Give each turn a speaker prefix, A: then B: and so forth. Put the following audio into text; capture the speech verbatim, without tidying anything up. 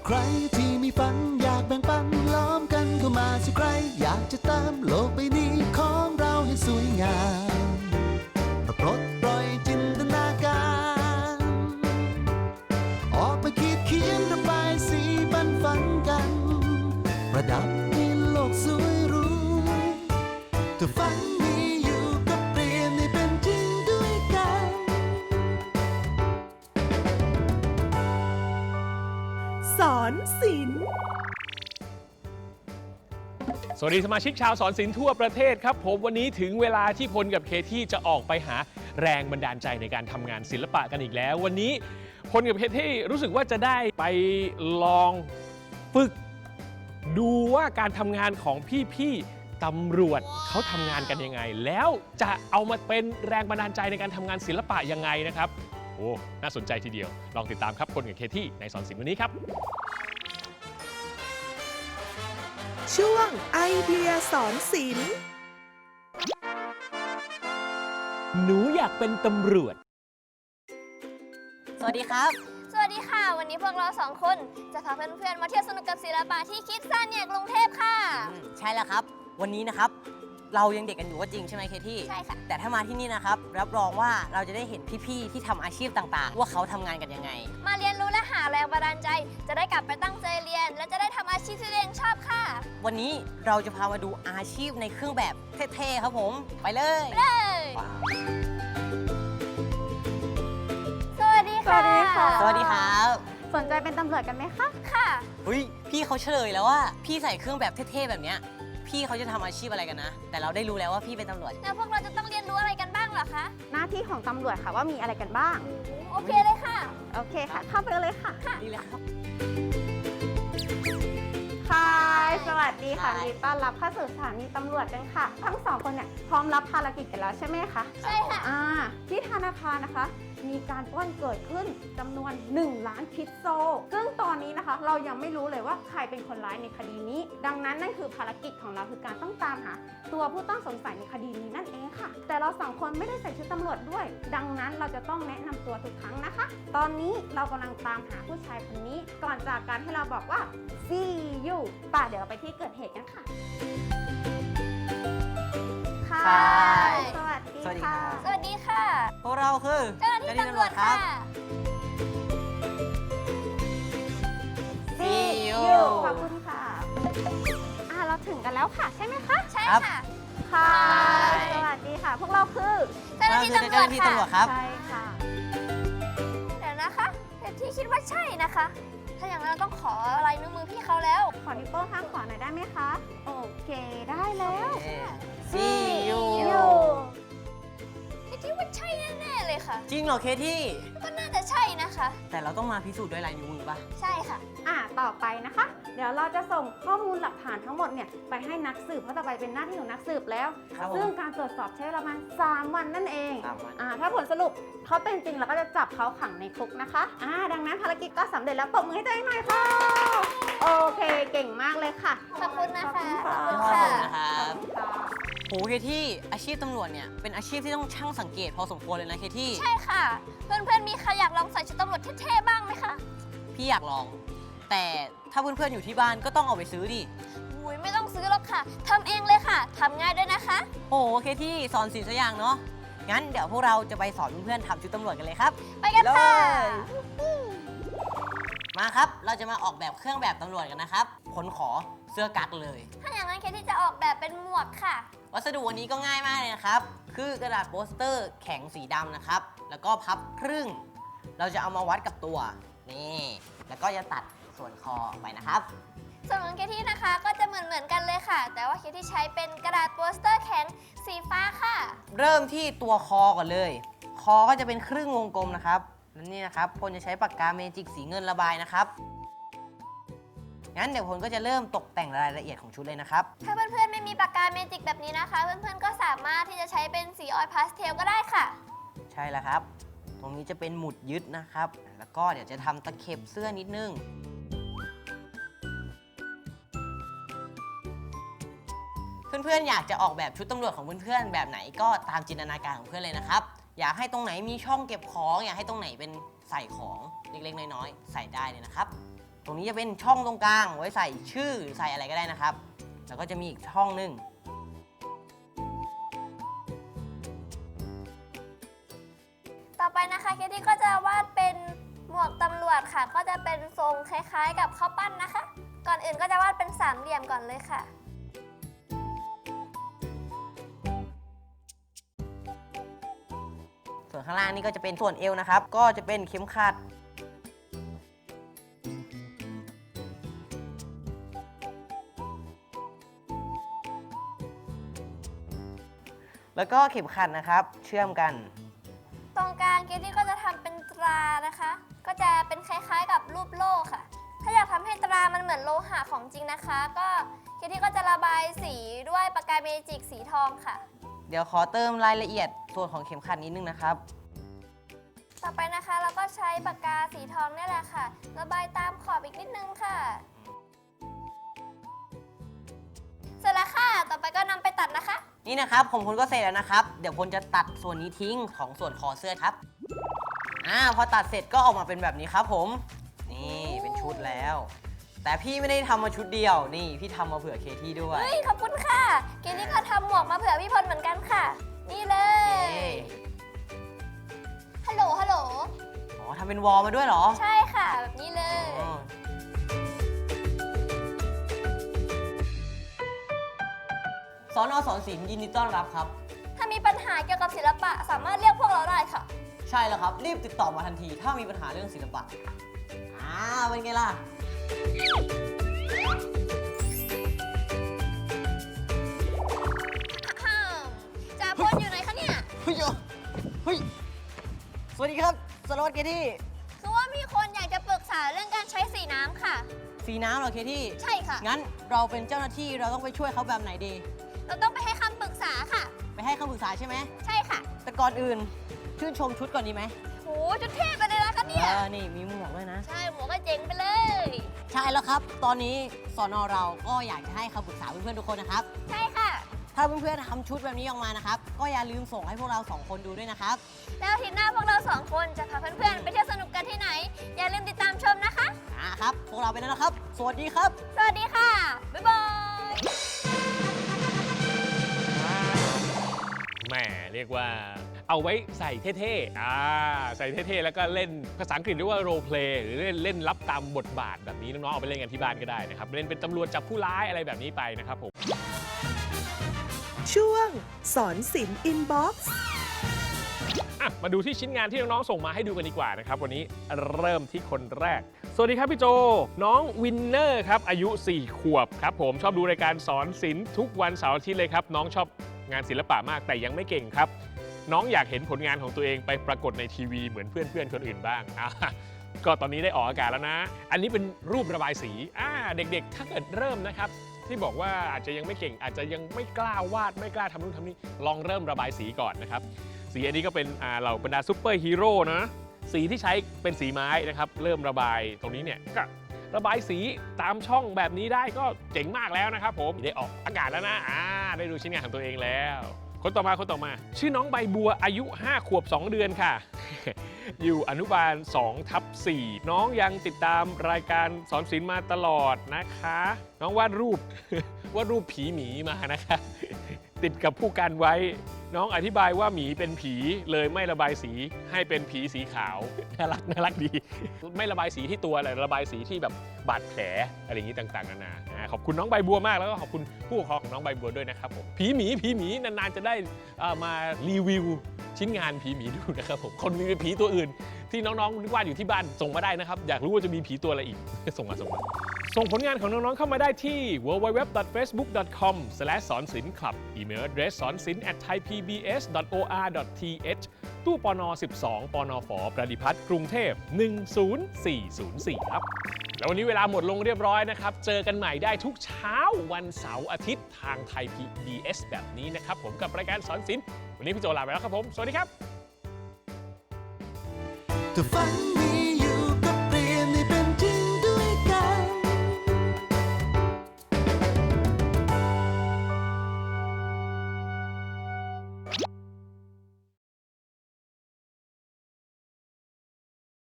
A: ใครที่มีฝันอยากแบ่งปันล้อมกันเข้ามาสิใครอยากจะเติมโลกใบนี้ของเราให้สวยงามปลดปล่อยจินตนาการออกไปคิดเขียนระบายสีบันฝันกันประดับให้โลกสวยหรูถ้าฝันมีอยู่ก็เปลี่ยนให้เป็นจริงด้วยกัน
B: สอนศิลป์
C: สวัสดีสมาชิกชาวสอนศิลป์ทั่วประเทศครับผมวันนี้ถึงเวลาที่พลกับเคที่จะออกไปหาแรงบันดาลใจในการทำงานศิลปะกันอีกแล้ววันนี้พลกับเคที่รู้สึกว่าจะได้ไปลองฝึกดูว่าการทำงานของพี่ๆตำรวจเขาทำงานกันยังไงแล้วจะเอามาเป็นแรงบันดาลใจในการทำงานศิลปะยังไงนะครับโอ้น่าสนใจทีเดียวลองติดตามครับพลกับเคที่ในสอนศิลป์วันนี้ครับ
B: ช่วงไอเดียสอนศิลป์
C: หนูอยากเป็นตำรวจ
D: สวัสดีครับ
E: สวัสดีค่ะวันนี้พวกเราสองคนจะพาเพื่อนๆมาเที่ยวสนุกกับศิลปะที่คิดสั้นเนี่ยกรุงเทพค่ะ
D: ใช่แล้วครับวันนี้นะครับเรายังเด็กกันอยู่ก็จริงใช่ไหมเคที่
E: ใช่ค่ะ
D: แต่ถ้ามาที่นี่นะครับรับรองว่าเราจะได้เห็นพี่ๆที่ทำอาชีพต่างๆว่าเขาทำงานกันยังไง
E: มาเรียนรู้และหาแรงบันดาลใจจะได้กลับไปตั้งใจเรียนและจะได้ทำอาชีพที่ตัวเองชอบค่ะ
D: วันนี้เราจะพามาดูอาชีพในเครื่องแบบเท่ๆครับผมไปเลย
E: ไปเลยสวัสดีค่ะ
D: สวัสดีครับ
F: สนใจเป็นตำรวจกันไหมคะ
E: ค่ะ
D: เฮ้ยพี่เขาเฉลยแล้วว่าพี่ใส่เครื่องแบบเท่ๆแบบเนี้ยพี่เขาจะทำอาชีพอะไรกันนะแต่เราได้รู้แล้วว่าพี่เป็นตำรวจ
E: แล้วพวกเราจะต้องเรียนรู้อะไรกันบ้างเหรอคะ
F: หน้าที่ของตำรวจค่ะว่ามีอะไรกันบ้าง
E: โอเคเลยค่ะ
F: โอเคค่ะเข้าไปเลยค่ะ
D: ดีเลยครับ
F: ค่ะสวัสดีค่ะยินดีต้อนรับเข้าสู่สถานีตำรวจกันค่ะทั้งสองคนเนี่ยพร้อมรับภารกิจกันแล้วใช่ไหมคะ
E: ใช่ค่ะ
F: อ่าที่ธนาคารนะคะมีการปล้นเกิดขึ้นจำนวนหนึ่งล้านพิกโซซึ่งตอนนี้นะคะเรายังไม่รู้เลยว่าใครเป็นคนร้ายในคดีนี้ดังนั้นนั่นคือภารกิจของเราคือการต้องตามหาตัวผู้ต้องสงสัยในคดีนี้นั่นเองค่ะแต่เราสองคนไม่ได้ใส่ชุดตำรวจด้วยดังนั้นเราจะต้องแนะนำตัวทุกครั้งนะคะตอนนี้เรากำลังตามหาผู้ชายคนนี้ก่อนจากการให้เราบอกว่า see you ป่ะเดี๋ยวเราไปที่เกิดเหตุกันค่ะค่ะสวัสดีค่ะ
E: สวัสดีค่ะ
D: พวกเราคือ
E: เจ้าหน้าที่ตำรวจค่ะ
D: See you
F: ขอบคุณค่ะอ่าเราถึงกันแล้วค่ะใช่ไหมคะ
E: ใช่ค่ะ
F: ค่ะสวัสดีค่ะพวกเราคือ
E: เจ้าหน้าที่ตำรวจ
D: ค่ะ
F: ใช่ค่ะ
E: เดี๋ยวนะคะแต่ที่คิดว่าใช่นะคะถ้าอย่างนั้นเราต้องขอลายนิ้วมือพี่เขาแล้ว
F: ขอนิ้วโป้งข้างขวาหน่อยได้ไหมคะโอเคได้แล้ว
D: See you
E: คิดว่าใช่แน่ๆเลยค่ะ
D: จริงเหรอเคที่
E: ก็น่าจะใช่นะคะ
D: แต่เราต้องมาพิสูจน์ด้วยลายนิ้วมือป่ะ
E: ใช่ค่ะ
F: อ่าต่อไปนะคะเดี๋ยวเราจะส่งข้อมูลหลักฐานทั้งหมดเนี่ยไปให้นักสืบเพราะต่อไปเป็นหน้าที่ของนักสืบแล้วซึ่งการตรวจสอบใช้เวลาประมาณสามวันนั่นเองอ่าถ้าผลสรุปเขาเป็นจริงเราก็จะจับเขาขังในคุกนะคะอ่าดังนั้นภารกิจก็สำเร็จแล้วปรบมือให้ตัวเองหน่อยค่ะโอเคเก่งมากเลยค่ะ
E: ขอบคุณนะคะ
D: ขอบคุณค่ะโหเคที่อาชีพตำรวจเนี่ยเป็นอาชีพที่ต้องช่างสังเกตพอสมควรเลยนะเคที่
E: ใช่ค่ะเพื่อนๆมีใครอยากลองใส่ชุดตำรวจเท่ๆบ้างไหมคะ
D: พี่อยากลองแต่ถ้าเพื่อนๆอยู่ที่บ้านก็ต้องเอาไปซื้อดิ
E: อุ้ยไม่ต้องซื้อหรอกค่ะทำเองเลยค่ะทำง่ายด้วยนะคะ
D: โอ้เคที่สอนศิลป์สักอย่างเนาะงั้นเดี๋ยวพวกเราจะไปสอนเพื่อนๆทำชุดตำรวจกันเลยครับ
E: ไปกันค่ะ
D: มาครับเราจะมาออกแบบเครื่องแบบตำรวจกันนะครับผลขอเสื้อกั๊กเลย
E: ถ้าอย่างนั้นเคที่จะออกแบบเป็นหมวกค่ะ
D: วัสดุวันนี้ก็ง่ายมากเลยนะครับคือกระดาษโปสเตอร์แข็งสีดำนะครับแล้วก็พับครึ่งเราจะเอามาวัดกับตัวนี่แล้วก็จะตัดส่วนคอออกไปนะครับ
E: ส่วนของเคที่นะคะก็จะเหมือนเหมือนกันเลยค่ะแต่ว่าเคที่ใช้เป็นกระดาษโปสเตอร์แข็งสีฟ้าค่ะ
D: เริ่มที่ตัวคอก่อนเลยคอก็จะเป็นครึ่งวงกลมนะครับและนี่นะครับพลจะใช้ปากกาเมจิกสีเงินระบายนะครับงั้นเดี๋ยวพลก็จะเริ่มตกแต่งรายละเอียดของชุดเลยนะครับ
E: ถ้าเพื่อนๆไม่มีปากกาเมจิกแบบนี้นะคะเพื่อนๆก็สามารถที่จะใช้เป็นสีออยล์พาสเทลก็ได้ค่ะ
D: ใช่แล้วครับตรงนี้จะเป็นหมุดยึดนะครับแล้วก็เดี๋ยวจะทำตะเข็บเสื้อนิดนึงเพื่อนๆอยากจะออกแบบชุดตำรวจของเพื่อนๆแบบไหนก็ตามจินตนาการของเพื่อนเลยนะครับอยากให้ตรงไหนมีช่องเก็บของอยากให้ตรงไหนเป็นใส่ของเล็กๆน้อยๆใส่ได้เลยนะครับตรงนี้จะเป็นช่องตรงกลางไว้ใส่ชื่อใส่อะไรก็ได้นะครับ แล้วก็จะมีอีกช่องหนึ่ง
E: ต่อไปนะคะเคที่ก็จะวาดเป็นหมวกตำรวจค่ะ ก็จะเป็นทรงคล้ายๆ กับข้าวปั้นนะคะ ก่อนอื่นก็จะวาดเป็นสามเหลี่ยมก่อนเลยค่ะ
D: ส่วนข้างล่างนี่ก็จะเป็นส่วนเอวนะครับ ก็จะเป็นเข็มขัด แล้วก็เข็มขัดนะครับ เชื่อมกัน
E: ตรงกลางเคที่ก็จะทำเป็นตรานะคะ ก็จะเป็นคล้ายๆกับรูปโล่ค่ะ ถ้าอยากทำให้ตรามันเหมือนโลหะของจริงนะคะ ก็เคที่ก็จะระบายสีด้วยปากกาเมจิกสีทองค่ะ
D: เดี๋ยวขอเติมรายละเอียดส่วนของเข็มขัดนิดนึงนะครับ
E: ต่อไปนะคะเราก็ใช้ปากกาสีทองนี่แหละค่ะ ระบายตามขอบอีกนิดนึงค่ะ เสร็จแล้วค่ะ ต่อไปก็นำไปตัดนะคะ
D: นี่นะครับผมพลก็เสร็จแล้วนะครับ เดี๋ยวพลจะตัดส่วนนี้ทิ้งของส่วนคอเสื้อครับอ่าพอตัดเสร็จก็ออกมาเป็นแบบนี้ครับผมนี่เป็นชุดแล้ว แต่พี่ไม่ได้ทำมาชุดเดียวนี่พี่ทำมาเผื่อเคที่ด้วย
E: เฮ้ย ขอบคุณค่ะเกนนี่ก็ทำหมวกมาเผื่อพี่พลเหมือนกันค่ะ นี่เล
D: โอเค
E: ย ฮัลโหล ฮัลโหล
D: อ๋อทำเป็นวอลมาด้วยเหรอ
E: ใช่ค่ะ แบบนี้เลย
D: อ๋อสอนอสอนศิลป์ยินดีต้อนรับครับ
E: ถ้ามีปัญหาเกี่ยวกับศิลปะสามารถเรียกพวกเราได้ค่ะ
D: ใช่แล้วครับ รีบติดต่อมาทันที ถ้ามีปัญหาเรื่องศิลปะอ่าเป็นไงล่ะ
E: จ่าพลอยู่ไหนคะเนี่ย
D: เฮ้ยเฮ้ย สวัสดีครับสารวัตรเคที่
E: คือว่ามีคนอยากจะปรึกษาเรื่องการใช้สีน้ำค่ะ
D: สีน้ำเหรอเคที่
E: ใช่ค่ะ
D: งั้นเราเป็นเจ้าหน้าที่เราต้องไปช่วยเขาแบบไหนดี
E: เราต้องไปให้คำปรึกษาค่ะ
D: ไปให้คำปรึกษาใช่ไหม
E: ใช่ค่ะ
D: แต่ก่อนอื่น ชื่นชมชุดก่อนดีไหม
E: โหจุดเทพไปเลยนะคะเนี่ย
D: เออนี่มีหมวกด้วยนะ
E: ใช่หมวกก็เจ๋งไปเลย
D: ใช่แล้วครับ ตอนนี้สอนอเราก็อยากจะให้คำปรึกษาเพื่อนๆทุกคนนะครับ
E: ใช่ค่ะ
D: ถ้าเพื่อนๆทำชุดแบบนี้ออกมานะครับ ก็อย่าลืมส่งให้พวกเราสองคนดูด้วยนะครับ
E: แล้วอาทิตย์หน้าพวกเราสองคนจะพาเพื่อนๆไปเที่ยวสนุกกันที่ไหน อย่าลืมติดตามชมนะคะ
D: อ่าครับ พวกเราไปแล้วนะครับ สวัสดีครับ
E: สวัสดีค่ะ บ๊ายบาย
C: แหมเรียกว่าเอาไว้ใส่เท่ๆอ่าใส่เท่ๆแล้วก็เล่นภาษาอังกฤษเรียกว่า role play หรือเล่นเล่นรับตามบทบาทแบบนี้น้องๆเอาไปเล่นกันที่บ้านก็ได้นะครับเล่นเป็นตำรวจจับผู้ร้ายอะไรแบบนี้ไปนะครับผม
B: ช่วงสอนศิลป์อินบ็อกซ์
C: อ่ะมาดูที่ชิ้นงานที่น้องๆส่งมาให้ดูกันดีกว่านะครับวันนี้เริ่มที่คนแรก สวัสดีครับพี่โจน้องวินเนอร์ครับอายุสี่ขวบครับผมชอบดูรายการสอนศิลป์ทุกวันเสาร์อาทิตย์เลยครับน้องชอบงานศิลปะมากแต่ยังไม่เก่งครับน้องอยากเห็นผลงานของตัวเองไปปรากฏในทีวีเหมือนเพื่อนๆคนอื่นบ้างอ่ะก็ตอนนี้ได้ออกอากาศแล้วนะ อันนี้เป็นรูประบายสีอ่าเด็กๆถ้าเกิดเริ่มนะครับที่บอกว่าอาจจะยังไม่เก่งอาจจะยังไม่กล้าวาดไม่กล้าทำนู่นทำนี่ลองเริ่มระบายสีก่อนนะครับสีอันนี้ก็เป็นอ่าเหล่าบรรดาซูเปอร์ฮีโร่นะสีที่ใช้เป็นสีไม้นะครับเริ่มระบายตรงนี้เนี่ยก็ระบายสีตามช่องแบบนี้ได้ก็เจ๋งมากแล้วนะครับผมได้ออกอากาศแล้วนะอ่าได้ดูชิ้นงานของตัวเองแล้วคนต่อมาคนต่อมาชื่อน้องใบบัวอายุห้าขวบสองเดือนค่ะ อยู่อนุบาลสองทับสี่น้องยังติดตามรายการสอนศิลป์มาตลอดนะคะ น้องวาดรูป วาดรูปผีหมีมานะคะ ติดกับผู้กันไว้ น้องอธิบายว่าหมีเป็นผีเลยไม่ระบายสีให้เป็นผีสีขาว น่ารักน่ารักดี ไม่ระบายสีที่ตัวแต่ระบายสีที่แบบบาดแผลอะไรอย่างนี้ต่างๆนานาอ่าขอบคุณน้องใบบัวมากแล้วก็ขอบคุณผู้ปกครองของน้องใบบัวด้วยนะครับผมผีหมีผีหมีนานๆจะได้เอ่อมารีวิวชิ้นงานผีหมีดูนะครับผมคนมีผีตัวอื่นที่น้องๆวาดอยู่ที่บ้านส่งมาได้นะครับอยากรู้ว่าจะมีผีตัวอะไรอีก ส่งมาส่งมาส่งผลงานของน้องๆเข้ามาได้ที่ ดับเบิลยู ดับเบิลยู ดับเบิลยู ดอท เฟซบุ๊ก ดอท คอม สแลช สอนศิลป์คลับ อีเมล address สอนศิลป์ แอท ไทยพีบีเอส ดอท โออาร์ ดอท ทีเอช ตู้ปนสิบสองปนฝประดิพัฒน์กรุงเทพหนึ่งศูนย์สี่ศูนย์สี่ครับแล้ววันนี้เวลาหมดลงเรียบร้อยนะครับเจอกันใหม่ได้ทุกเช้าวันเสาร์อาทิตย์ทางไทย พี บี เอส แบบนี้นะครับผมกับรายการสอนศิลป์วันนี้พี่โจลาไปแล้วครับผมสวัสดีครับ
A: ถ้าฝันมี